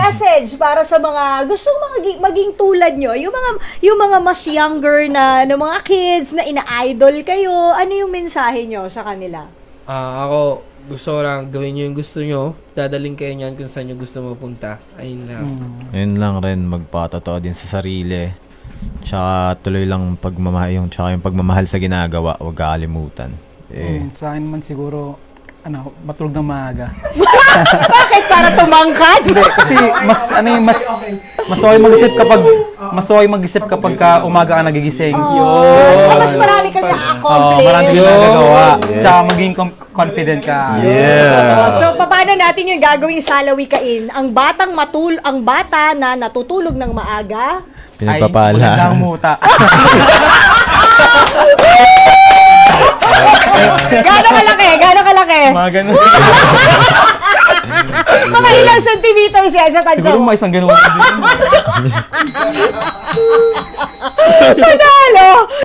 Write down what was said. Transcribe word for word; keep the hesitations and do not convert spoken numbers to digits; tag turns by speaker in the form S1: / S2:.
S1: message para sa mga gustong maging, maging tulad nyo, yung mga yung mga mas younger na, na mga kids na ina-idol kayo, ano yung mensahe nyo sa kanila?
S2: Ah, ako, gusto ko lang gawin nyo yung gusto nyo. Dadaling kayo niyan kung saan nyo gusto mapunta. Ayun lang.
S3: Mm.
S4: Ayun lang rin, magpatotoo din sa sarili. Tsaka tuloy lang pagmamahal, yung, tsaka yung pagmamahal sa ginagawa, huwag kakalimutan. Eh,
S3: Mm, sa akin naman siguro, ano, matulog ng maaga.
S1: Bakit? Para tumangkad?
S3: Hindi, kasi mas, ano yung mas, mas okay mag-isip kapag, mas okay mag-isip kapag ka umaga ka nagigising.
S1: Oh, tsaka mas marami kang
S3: Oo,
S1: na-accomplish.
S3: marami kang nagagawa. Tsaka maging com- confident ka.
S4: yeah!
S1: So, paano natin yung gagawing salawikain? Ang batang matul, ang bata na natutulog ng maaga,
S3: Ay,
S4: Pinagpapala.
S3: magandang muta.
S1: gaano kalaki? Gaano kalaki?
S3: Mga ganun.
S1: Mga ilang centimeters yan sa tansya
S3: Siguro
S1: mo?
S3: may isang ganun.
S1: Panalo!